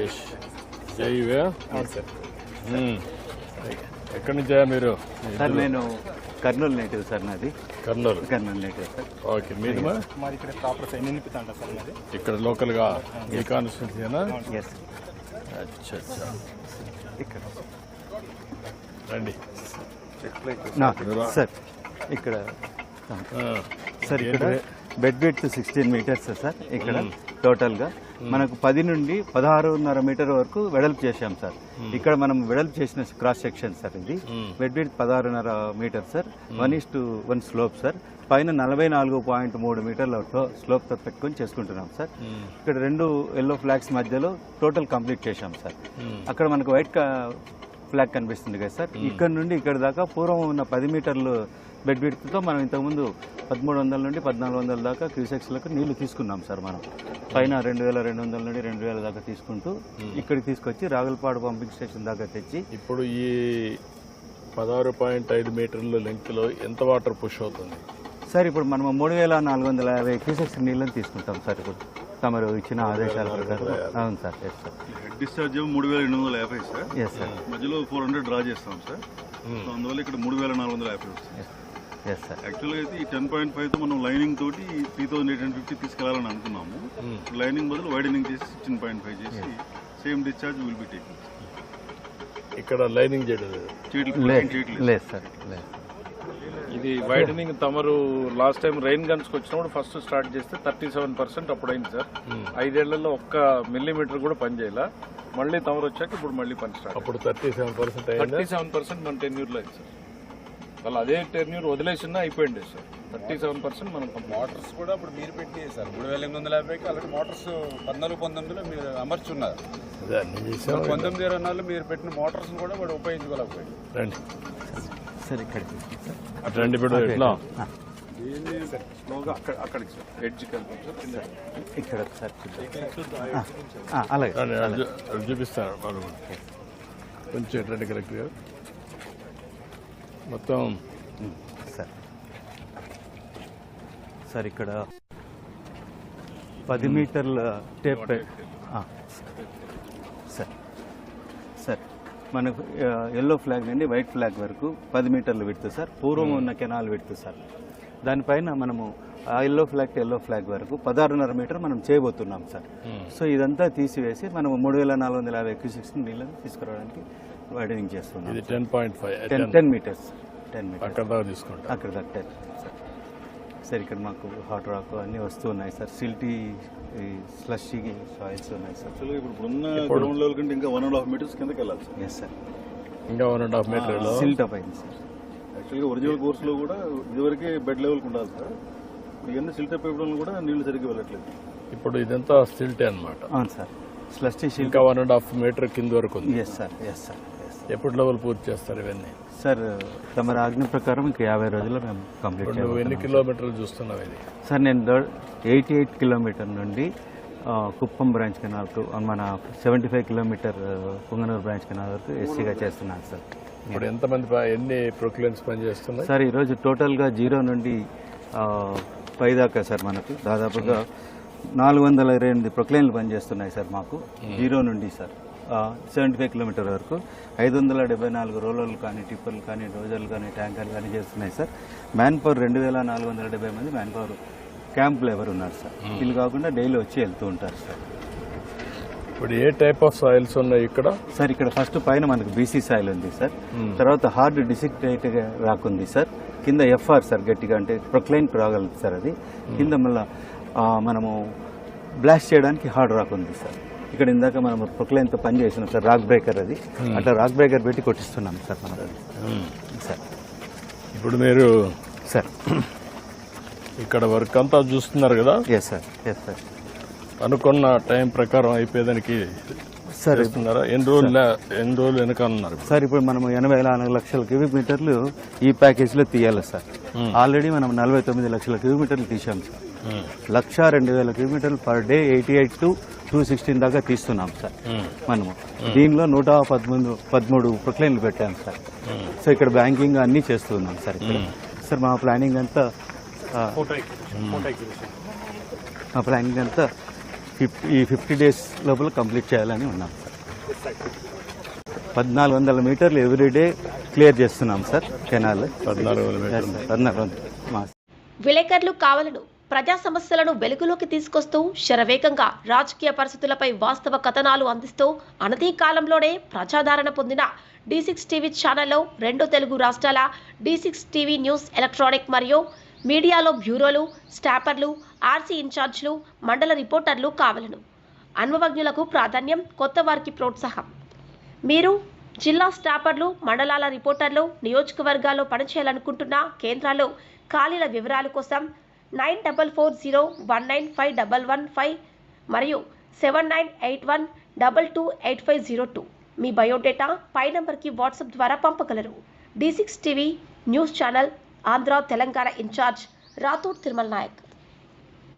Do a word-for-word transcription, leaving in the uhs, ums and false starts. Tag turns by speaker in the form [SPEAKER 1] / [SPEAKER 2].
[SPEAKER 1] రాజేష్ జైవే
[SPEAKER 2] అవును సార్.
[SPEAKER 1] ఎక్కడి నుంచా మీరు?
[SPEAKER 3] సార్ నేను కర్నూలు నేటివ్ సార్, నాది
[SPEAKER 1] Kurnool.
[SPEAKER 3] Kurnool native sir.
[SPEAKER 1] Okay, మీది మా
[SPEAKER 2] మాది ఇక్కడ ప్రాపర్ సైడ్ నిలిపితాండ సార్ మాది.
[SPEAKER 1] ఇక్కడ లోకల్గా ఈ కాన్స్టిట్యూన్సీనా?
[SPEAKER 3] ఎస్
[SPEAKER 1] అచ్చా అచ్చా.
[SPEAKER 3] ఇక్కడ
[SPEAKER 1] రండి
[SPEAKER 3] నా సార్ ఇక్కడ సార్ ఇక్కడ bed width sixteen meters sir. ఇక్కడ టోటల్గా మనకు పది నుండి పదహారున్నర మీటర్ వరకు వెడల్పు చేశాం సార్. ఇక్కడ మనం వెడల్పు చేసిన క్రాస్ సెక్షన్ సార్ ఇది. బెడ్ విడ్త్ పదహారున్నర meter sir. One is to one slope sir. పైన నలభై నాలుగు పాయింట్ మూడు మీటర్ల స్లోప్తో పెట్టుకొని చేసుకుంటున్నాం సార్. ఇక్కడ రెండు ఎల్లో ఫ్లాగ్స్ మధ్యలో టోటల్ కంప్లీట్ చేశాం సార్. అక్కడ మనకు వైట్ ఫ్లాగ్ కనిపిస్తుంది కదా సార్. ఇక్కడ నుండి ఇక్కడ దాకా పూర్వం ఉన్న పది మీటర్లు బెడ్ విడ్త్తో మనం ఇంతకుముందు పదమూడు వందల నుండి పద్నాలుగు వందల దాకా క్యూసెక్స్లకు నీళ్లు తీసుకున్నాం సార్. మనం పైన రెండు వేల రెండు వందల నుండి రెండు వేల దాకా తీసుకుంటూ ఇక్కడికి తీసుకొచ్చి రాగులపాడు పంపింగ్ స్టేషన్ దాకా తెచ్చి
[SPEAKER 1] ఇప్పుడు ఈ పదహారు పాయింట్ ఐదు మీటర్ల లెంగ్త్లో ఎంత వాటర్ పుష్ అవుతుంది
[SPEAKER 3] సార్? ఇప్పుడు మనం మూడు వేల నాలుగు వందల యాభై క్యూసెక్స్ నీళ్ళని తీసుకుంటాం సార్. ఇప్పుడు తమరు ఇచ్చిన ఆదేశాల ప్రకారం. అవును sir. Yes sir.
[SPEAKER 4] Head discharge మూడు వేల ఎనిమిది వందల యాభై సార్.
[SPEAKER 3] Yes sir.
[SPEAKER 4] మధ్యలో ఫోర్ హండ్రెడ్ డ్రా చేస్తాం సార్. సో అందువల్ల ఇక్కడ మూడు వేల నాలుగు వందల యాభై వస్తుంది.
[SPEAKER 3] Yes sir.
[SPEAKER 4] యాక్చువల్గా అయితే ఈ టెన్ పాయింట్ ఫైవ్ తో మనం లైనింగ్ తోటి three thousand eight hundred fifty తీసుకెళ్లాలని అనుకున్నాము. లైనింగ్ బదులు వైడనింగ్ చేసి సిక్స్టీన్ పాయింట్ ఫైవ్ చేసి same discharge will be taking.
[SPEAKER 1] ఇక్కడ లైనింగ్ చేయడం
[SPEAKER 3] లేదు సార్. లేదు.
[SPEAKER 5] ఇది వైడనింగ్ తమరు లాస్ట్ టైం రెయిన్ గన్స్ వచ్చినప్పుడు ఫస్ట్ స్టార్ట్ చేస్తే థర్టీ సెవెన్ పర్సెంట్ అప్పుడు అయింది సార్. ఐదేళ్లలో ఒక్క మిల్లీమీటర్ కూడా పని చేయాల. మళ్ళీ తమరు వచ్చాక ఇప్పుడు మళ్ళీ పని స్టార్ట్.
[SPEAKER 1] అప్పుడు thirty seven percent
[SPEAKER 5] thirty seven percent మన టెన్యూర్ లో అయింది సార్. వాళ్ళు అదే టెన్యూర్ వదిలేసినా అయిపోయింది సార్. థర్టీ సెవెన్ పర్సెంట్ మనం
[SPEAKER 6] మోటార్స్ కూడా ఇప్పుడు మీరు పెట్టి సార్ మూడు వేల ఎనిమిది వందల యాభైకి అలాంటి మోటార్స్ పద్నాలుగు పంతొమ్మిదిలో మీరు అమర్చున్నారు. పంతొమ్మిది ఇరవై నాలుగులో మీరు పెట్టిన మోటార్స్ కూడా వాడు ఉపయోగించుకోలేకపోయింది.
[SPEAKER 1] రండి
[SPEAKER 3] సార్ ఇక్కడికి
[SPEAKER 1] రండి. ఇప్పుడు ఎట్లా
[SPEAKER 5] అక్కడ అక్కడికి సార్ ఎడ్జ్ కలిపి
[SPEAKER 3] ఇక్కడ సార్ అలాగే
[SPEAKER 1] అది చూపిస్తాను వాళ్ళు కొంచెం రండి కరెక్ట్ గారు. మొత్తం
[SPEAKER 3] సార్ సార్ ఇక్కడ పది మీటర్ల టేప్ సార్. సార్ మనకు ఎల్లో ఫ్లాగ్ నుండి వైట్ ఫ్లాగ్ వరకు పది మీటర్లు విడుతు సార్. పూర్వం ఉన్న కెనాల్ విడుతు సార్. దానిపైన మనము ఆ yellow flag to yellow flag వరకు పదహారున్నర మీటర్ మనం చేయబోతున్నాం సార్. సో ఇదంతా తీసివేసి మనం మూడు వేల నాలుగు వందల యాభై క్యూసెక్స్ నీళ్ళని తీసుకురావడానికి వైడనింగ్ చేస్తున్నాం.
[SPEAKER 1] ఇది ten point five
[SPEAKER 3] ten ten meters ten meters
[SPEAKER 1] అక్కడ దాకా తీసుకుంటాం.
[SPEAKER 3] అక్కడ దాకా టెన్ సార్. సార్ ఇక్కడ మాకు హాట్ రాక్ అన్నీ వస్తూ ఉన్నాయి సార్. సిల్టీ స్లషీ సాయిల్స్ ఉన్నాయి సార్.
[SPEAKER 4] యాక్చువల్గా ఇప్పుడు ఉన్న గ్రౌండ్ లెవెల్ కంటే ఇంకా వన్ అండ్ హాఫ్ మీటర్స్ కిందకి వెళ్ళాలి సార్.
[SPEAKER 3] Yes sir.
[SPEAKER 1] ఇంకా one and half meter
[SPEAKER 3] silt up అయింది సార్.
[SPEAKER 4] యాక్చువల్గా ఒరిజినల్ కోర్సులో కూడా ఇదివరకే బెడ్ లెవెల్కి ఉండాలి సార్. ఇవన్నీ సిల్ట్ అప్ ఇవ్వడం కూడా నీళ్లు సరిగ్గా వెళ్ళట్లేదు.
[SPEAKER 1] ఇప్పుడు ఇదంతా సిల్టే అనమాట.
[SPEAKER 3] అవును సార్. స్లషీ సిల్ట్
[SPEAKER 1] ఇంకా వన్ అండ్ హాఫ్ మీటర్ కింద వరకు ఉంది.
[SPEAKER 3] Yes sir. Yes sir.
[SPEAKER 1] ఎప్పుడు లెవెల్ పూర్తి చేస్తారు ఇవన్నీ?
[SPEAKER 3] సార్ తమ ఆజ్ఞ ప్రకారం ఇంకా యాభై రోజుల్లో మేము కంప్లీట్
[SPEAKER 1] నువ్వు ఎన్ని
[SPEAKER 3] చేయాలి.
[SPEAKER 1] కిలోమీటర్లు చూస్తున్నావు ఇది?
[SPEAKER 3] సార్ నేను ఎయిటీ ఎయిట్ కిలోమీటర్ నుండి కుప్పం బ్రాంచ్ కెనాల్ మన seventy five kilometer Punganur branch canal వరకు ఎస్సీగా చేస్తున్నాను సార్.
[SPEAKER 1] ఇప్పుడు ఎంతమంది ఎన్ని ప్రొక్లైన్స్ పనిచేస్తున్నాయి
[SPEAKER 3] సార్? ఈరోజు టోటల్గా జీరో నుండి పై దాకా సార్ మనకు దాదాపుగా నాలుగు వందల ఇరవై ఎనిమిది ప్రొక్లైన్లు పనిచేస్తున్నాయి సార్ మాకు. జీరో నుండి సార్ సెవెంటీ ఫైవ్ కిలోమీటర్ వరకు ఐదు వందల డెబ్బై నాలుగు రోలర్లు కానీ టిప్పర్లు కానీ డోజర్లు కానీ ట్యాంకర్లు కానీ చేస్తున్నాయి సార్. మ్యాన్ పవర్ రెండు వేల నాలుగు వందల డెబ్బై మంది మ్యాన్ పవర్ క్యాంప్ లేబర్ ఉన్నారు సార్. వీళ్ళు కాకుండా డైలీ వచ్చి వెళ్తూ ఉంటారు సార్.
[SPEAKER 1] ఇప్పుడు ఏ టైప్ ఆఫ్ సాయిల్స్ ఉన్నాయి ఇక్కడ?
[SPEAKER 3] సార్ ఇక్కడ ఫస్ట్ పైన మనకు బీసీ సాయిల్ ఉంది సార్. తర్వాత హార్డ్ డిసిక్టేట్ రాకుంది సార్. కింద ఎఫ్ఆర్ సార్ గట్టిగా అంటే ప్రొక్లైన్ రాగలదు సార్. అది కింద మళ్ళీ మనము బ్లాస్ట్ చేయడానికి హార్డ్ రాక్ ఉంది సార్. ఇక్కడ ఇందాక మనం ప్రొక్లైన్తో పని చేసినాం సార్. రాక్ బ్రేకర్ అది అట్లా రాక్ బ్రేకర్ పెట్టి కొట్టిస్తున్నాం సార్ మనం సార్.
[SPEAKER 1] ఇప్పుడు మీరు
[SPEAKER 3] సార్
[SPEAKER 1] ఇక్కడ వర్క్ అంతా చూస్తున్నారు కదా?
[SPEAKER 3] Yes sir. Yes sir.
[SPEAKER 1] అనుకున్న టైం ప్రకారం అయిపోయేదానికి
[SPEAKER 3] సార్
[SPEAKER 1] ఇస్తున్నారా? ఎన్ని రోజులు ఎన్ని రోజులు వెనకన్నారు
[SPEAKER 3] సార్? ఇప్పుడు మనం ఎనభై నాలుగు లక్షల క్యూబిక్ మీటర్లు ఈ ప్యాకేజీలో తీయాలి సార్. ఆల్రెడీ మనం నలభై తొమ్మిది లక్షల క్యూబిక్ మీటర్లు తీసాం సార్. లక్ష రెండు వేల కిలోమీటర్లు per day eighty eight to two sixteen దాకా తీస్తున్నాం సార్ మనము. దీనిలో నూట పదమూడు పదమూడు ప్రొక్లైన్లు పెట్టాం సార్. సో ఇక్కడ బ్యాంకింగ్ అన్నీ చేస్తున్నాం సార్. ఇక్కడ సార్ మా ప్లానింగ్ అంతా మా ప్లానింగ్ అంతా ఫిఫ్టీ ఈ ఫిఫ్టీ డేస్ లోపల కంప్లీట్ చేయాలని ఉన్నాం సార్. పద్నాలుగు వందల మీటర్లు ఎవ్రీడే క్లియర్ చేస్తున్నాం సార్ కెనాల్.
[SPEAKER 1] పద్నాలుగు వందల మీటర్లు.
[SPEAKER 3] పద్నాలుగు వందలు మా
[SPEAKER 7] విలేకరులు కావాలను ప్రజా సమస్యలను వెలుగులోకి తీసుకొస్తూ శరవేగంగా రాజకీయ పరిస్థితులపై వాస్తవ కథనాలు అందిస్తూ అనతి కాలంలోనే ప్రజాదరణ పొందిన డి సిక్స్ టీవీ ఛానల్లో రెండు తెలుగు రాష్ట్రాల D six TV news electronic మరియు మీడియాలో బ్యూరోలు, స్టాపర్లు, ఆర్సీ ఇన్ఛార్జ్లు, మండల రిపోర్టర్లు కావాలను. అనుభవజ్ఞులకు ప్రాధాన్యం, కొత్త వారికి ప్రోత్సాహం. మీరు జిల్లా స్టాపర్లు, మండలాల రిపోర్టర్లు నియోజకవర్గాల్లో పనిచేయాలనుకుంటున్న కేంద్రాల్లో ఖాళీల వివరాల కోసం nine double four zero one nine five double one five మరియు seven nine eight one double two eight five zero two మీ బయోడేటా పై నంబర్కి వాట్సాప్ ద్వారా పంపగలరు. D six TV news channel Andhra Telangana incharge Rathod Tirumala Naik.